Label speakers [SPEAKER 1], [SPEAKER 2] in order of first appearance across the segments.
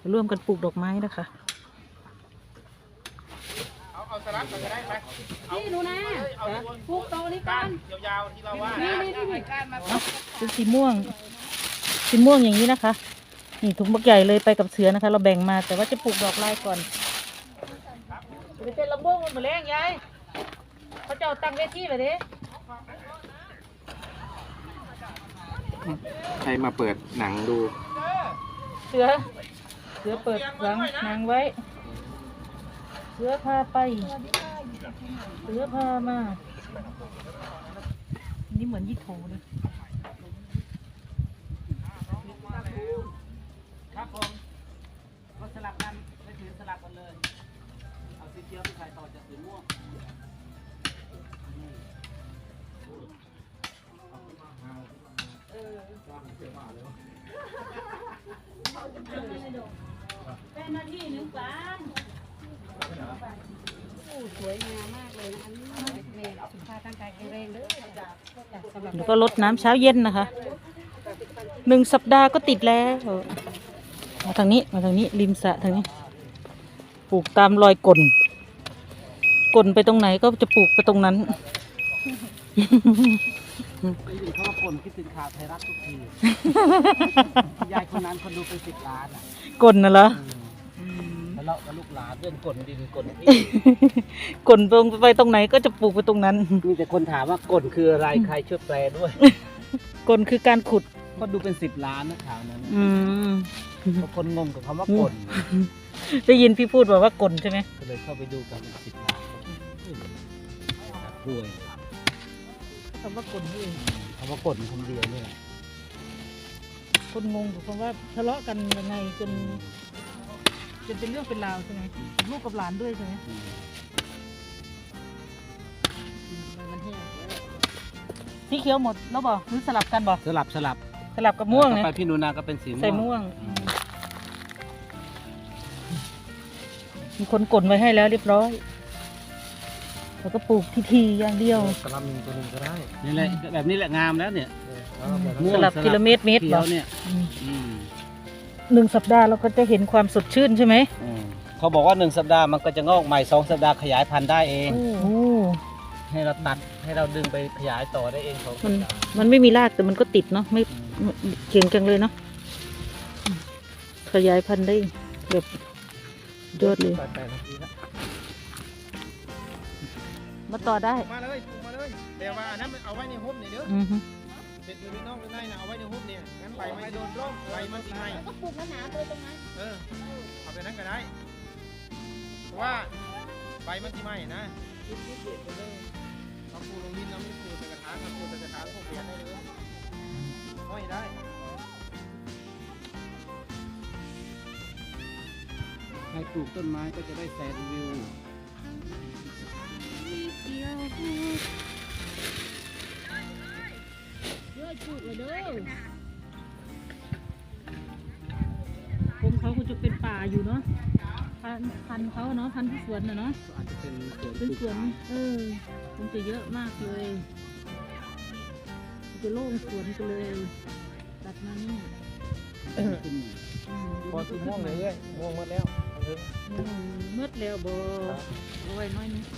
[SPEAKER 1] ร่วมกันปลูกดอกไม้นะคะ
[SPEAKER 2] เอาสลับกันก็ได้ไหม
[SPEAKER 3] นี่หนูนะปลูกโตนี่กัน
[SPEAKER 2] ยาวๆที่เราว่า
[SPEAKER 3] นี่ก้านมา
[SPEAKER 1] เป็นสีม่วงอย่างนี้นะคะนี่ถุงบักใหญ่เลยไปกับเสือนะคะ เราแบ่งมาแต่ว่าจะปลูกดอกลายก่อนเป็นลำบ้งมันเหมือนแรงยายเขาจะเอาตั้งเวทีเลยดิ
[SPEAKER 2] ใครมาเปิดหนังดู
[SPEAKER 1] เสือเปิดหลังนางไว้เสือพาไปเสือพามานี่เหมือนยี่โถเลย
[SPEAKER 2] ครับผมก็สลับกันไม่ถือสลับกันเลยเอาสีเขียวไปใส่ต่อจากสีม่วง
[SPEAKER 3] เป็นหน้าที่หนึ่งกันสวยงามมากเลยนะแม่สุขภาพร่างกายแข็งแรงเลย
[SPEAKER 1] แล้วก็ลดน้ำเช้าเย็นนะคะ1 สัปดาห์ก็ติดแล้วมาทางนี้ริมสระทางนี้ปลูกตามรอยก่นไปตรงไหนก็จะปลูกไปตรงนั้น
[SPEAKER 2] ได้ยินเขาว่าคนคิดถึงข่าวไทยรัฐทุกทียายคนนั้นคนดูเป็น10 ล้านอ่ะ
[SPEAKER 1] ก่นน่ะเหรอ
[SPEAKER 2] ทะเลาะกับลูกหลานเรื่องกลดินกลที่
[SPEAKER 1] ก่นไปตรงไหนก็จะปลูกไปตรงนั้น
[SPEAKER 2] มีแต่คนถามว่ากลคืออะไรใครช่วยแปลด้วย
[SPEAKER 1] ก่นคือการขุด
[SPEAKER 2] ก็ดูเป็น10 ล้านนะข่าวนั้นบางคนงงกับคำว่ากล
[SPEAKER 1] ได้ยินพี่พูดว่าก่นใช่ไหม
[SPEAKER 2] ก็เลยเข้าไปดูกัน10 ล้านรวย
[SPEAKER 1] คำว่าก่นนี่
[SPEAKER 2] คำว่ากลคำเดียวเนี่ย
[SPEAKER 1] คนงงกับคำว่าทะเลาะกันยังไงจนเป็นเรื่องเป็นราวใช่ไหมลูกกับหลานด้วยใช่ไหมสีเขียวหมดแล้วบอกหรือสลับกันบอก
[SPEAKER 2] สลับ
[SPEAKER 1] กับม่วงเนี่ย
[SPEAKER 2] ไปพี่นูนาก็เป็นสีม่วง
[SPEAKER 1] ใส่ม่วงมีคนกดไว้ให้แล้วเรียบร้อยแล้วก็ปลูกทีอย่างเดียว
[SPEAKER 2] สลับ1 ตัว 1ก็ได้นี่แหละแบบนี้แหละงามแล้วเนี่ย
[SPEAKER 1] สลับกิโลเมตร
[SPEAKER 2] หรอเนี่ย
[SPEAKER 1] 1 สัปดาห์เราก็จะเห็นความสดชื่นใช่ไหม
[SPEAKER 2] เขาบอกว่า1 สัปดาห์มันก็จะงอกใหม่2 สัปดาห์ขยายพันธุ์ได้เองให้เราตัดให้เราดึงไปขยายต่อได้เอง
[SPEAKER 1] มันไม่มีรากแต่มันก็ติดเนาะไม่เก่งจังเลยเนาะขยายพันธุ์ได้แบบยอดเลยมาต่อได้
[SPEAKER 2] มาเลยแต่ว่าอันนั้นเอาไว้ในหุ้มนี่เด้อเด็ดอยู่ในนอกหรือในนะเอาไว้ในหุ้มเนี่ยงั้นใบไม่โดนร่มใบมันสิไหม
[SPEAKER 3] ก็ปลูกหนาๆเลยตรงนั้น
[SPEAKER 2] เอาไปนั้นก็ได้เพราะว่าใบมันสิไหมนะเราปลูกลงดินเราไม่ปลูกใส่กระถางเราปลูกใส่กระถางพวกเปลี่ยนได้เลยห้อยได้ใครปลูกต้นไม้ก็จะได้แสนวิว
[SPEAKER 3] ปลูกเลยเด้อ
[SPEAKER 1] ผมเขาคงจะเป็นป่าอยู่เนาะพันเขาเนาะพันที่สวนเนาะ
[SPEAKER 2] อาจจะเป็น
[SPEAKER 1] สวนคงจะเยอะมากเลยจะโล่งสวนกันเลยตัดมานี่
[SPEAKER 2] พอสีม่วงเลยม่วงหมดแล้ว
[SPEAKER 1] มืดแล้วบ่เอาไว้น้อยนึง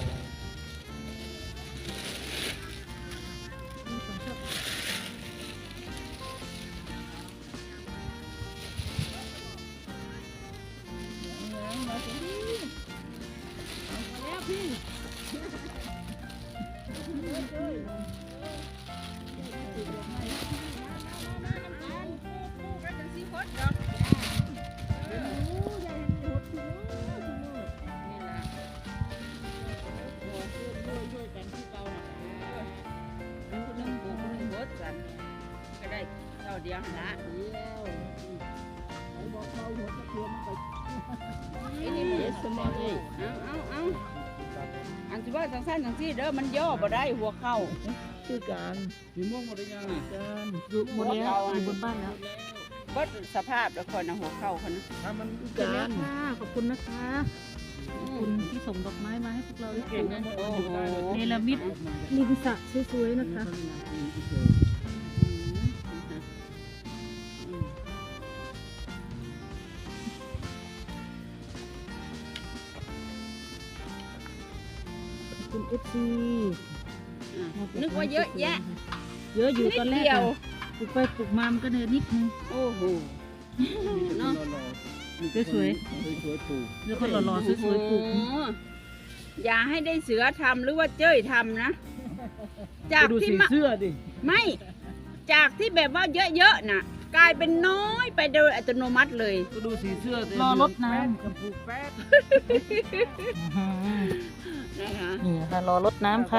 [SPEAKER 3] เดียวนะนี่มันสมองเอาอันที่ว่าสั้นๆที่เด้อมันย่อบ่ได้หัวเข่า
[SPEAKER 1] คือการ
[SPEAKER 2] สีม่วงหมดได้ยัง
[SPEAKER 1] การอยู่บนแล้วอยู่บนบ้านแล้ว
[SPEAKER 3] บัดสภาพแล้วคนนะหัวเข่าคนนะ
[SPEAKER 1] ถ้ามันการขอบคุณนะคะขอบคุณที่ส่งดอกไม้มาให้พวกเราได้เก็บนะเนลมิดริมสระสวยๆนะคะคุณ FC
[SPEAKER 3] นึกว่าเยอะแยะ
[SPEAKER 1] เยอะอยู่ตอนแรก
[SPEAKER 3] เดียว
[SPEAKER 1] ปลูกไปปลูกมามันก็เนินนิดนึง
[SPEAKER 3] โอ้โหเนาะ
[SPEAKER 1] สวย
[SPEAKER 2] สวยๆปลูก
[SPEAKER 1] ๆแล้วก็หล่อๆสวยๆปลูก
[SPEAKER 3] โอ้โหอย่าให้ได้เสือทำหรือว่าเจ้ยทำนะ จาก
[SPEAKER 2] ดู
[SPEAKER 3] ที่
[SPEAKER 2] สี
[SPEAKER 3] มา
[SPEAKER 2] เสื้อดิ
[SPEAKER 3] ไม่จากที่แบบว่าเยอะๆน่ะ กลายเป็นน้อยไปโดยอัตโนมัติเลย
[SPEAKER 2] ก็ดูสีเสื้อ
[SPEAKER 1] รอรดน้
[SPEAKER 2] ชมพูแป๊ด
[SPEAKER 1] ำ
[SPEAKER 3] นะคะ
[SPEAKER 1] นี่ค่ะรอรดน้ำค่ะ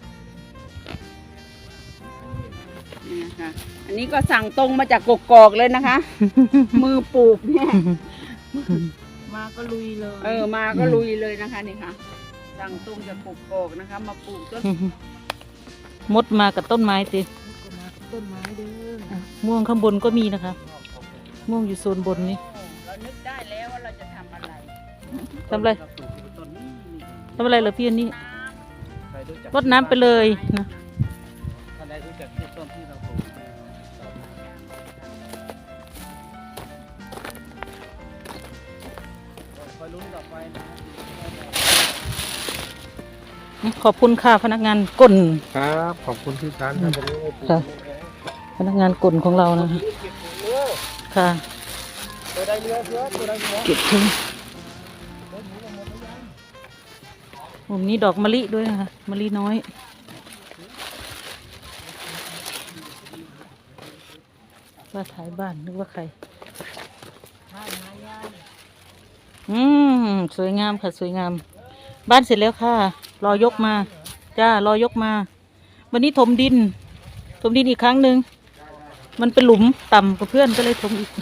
[SPEAKER 3] นี่นะคะอันนี้ก็สั่งตรงมาจากกกอกเลยนะคะ มือปลูกเนี่ย
[SPEAKER 1] มาก็ลุยเลย
[SPEAKER 3] มาก็ลุยเลยนะคะนี่ค่ะสั่งตรงจากกกอกนะคะ มาปลูกต้น
[SPEAKER 1] มดมากับต้นไม้สิ
[SPEAKER 2] ต้นไม้เด้อ
[SPEAKER 1] ม่วงข้างบนก็มีนะคะ ม่วงอยู่โซนบนนี้
[SPEAKER 3] เรานึกได้แล้วว่าเราจะทำอะไร
[SPEAKER 1] ทำอะไร
[SPEAKER 2] ต้นนี้
[SPEAKER 1] ทำอะไรเหรอพี่อันนี้
[SPEAKER 2] ใครรู้จัก
[SPEAKER 1] รดน้ำไปเลยนะ
[SPEAKER 2] ท่านใดรู้จักที่ต้นที่เราปลูกคอยลุ้นต่อไปนะ
[SPEAKER 1] ขอบคุณค่ะพนักงานกล
[SPEAKER 2] ครับขอบคุณที่ร้านครับ
[SPEAKER 1] ค่ะ พนักงานกลของเรานะคะค่ะ
[SPEAKER 2] ตัวได้เรือเสือตัวได้เรือ
[SPEAKER 1] เก็บทิ้งมุมนี้ดอกมะลิด้วยนะคะมะลิน้อยว่าถ่ายบ้านนึกว่าใครสวยงามค่ะสวยงาม บ้านเสร็จแล้วค่ะ รอยกมาจ้ารอยกมา วันนี้ถมดินอีกครั้งหนึ่งมันเป็นหลุมต่ำกับเพื่อนก็เลยถมอีก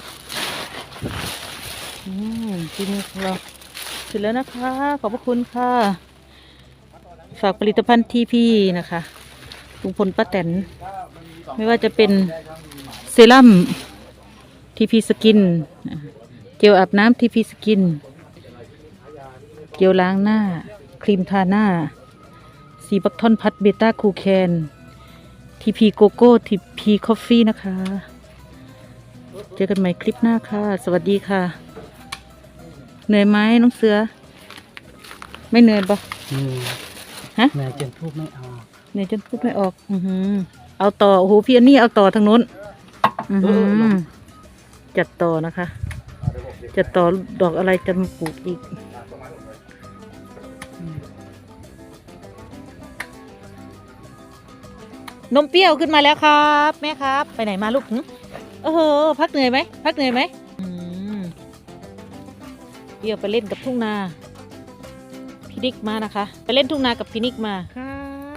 [SPEAKER 1] ทีนี้ของเราเสร็จแล้วนะคะ ขอบพระคุณค่ะ ฝากผลิตภัณฑ์ทีพีนะคะลุงพลป้าแตนไม่ว่าจะเป็นเซรั่มทีพีสกินเจลอาบน้ำทีพีสกินเจลล้างหน้าครีมทาหน้าสีบักทอนพัดเบต้าคูแคนทีพีโกโก้ทีพีคอฟฟี่นะคะเจอกันใหม่คลิปหน้าค่ะสวัสดีค่ะเหนื่อยไหมน้องเสือไม่เหนื่อยปะฮะ
[SPEAKER 2] แม่เจนทูบไม่เอา
[SPEAKER 1] เหนื่อยจนพูดไม่ออกเอาต่อโอ้โหพี่อันนี้เอาต่อทางนู้นจัดต่อนะคะจัดต่อดอกอะไรจะมาปลูกอีกนมเปรี้ยวขึ้นมาแล้วครับแม่ครับไปไหนมาลูกโอ้โหพักเหนื่อยไหมพักเหนื่อยไหมเปรี้ยวไปเล่นกับทุ่งนาพี่นิกมานะคะไปเล่นทุ่งนากับพี่นิกมา
[SPEAKER 2] ค่ะ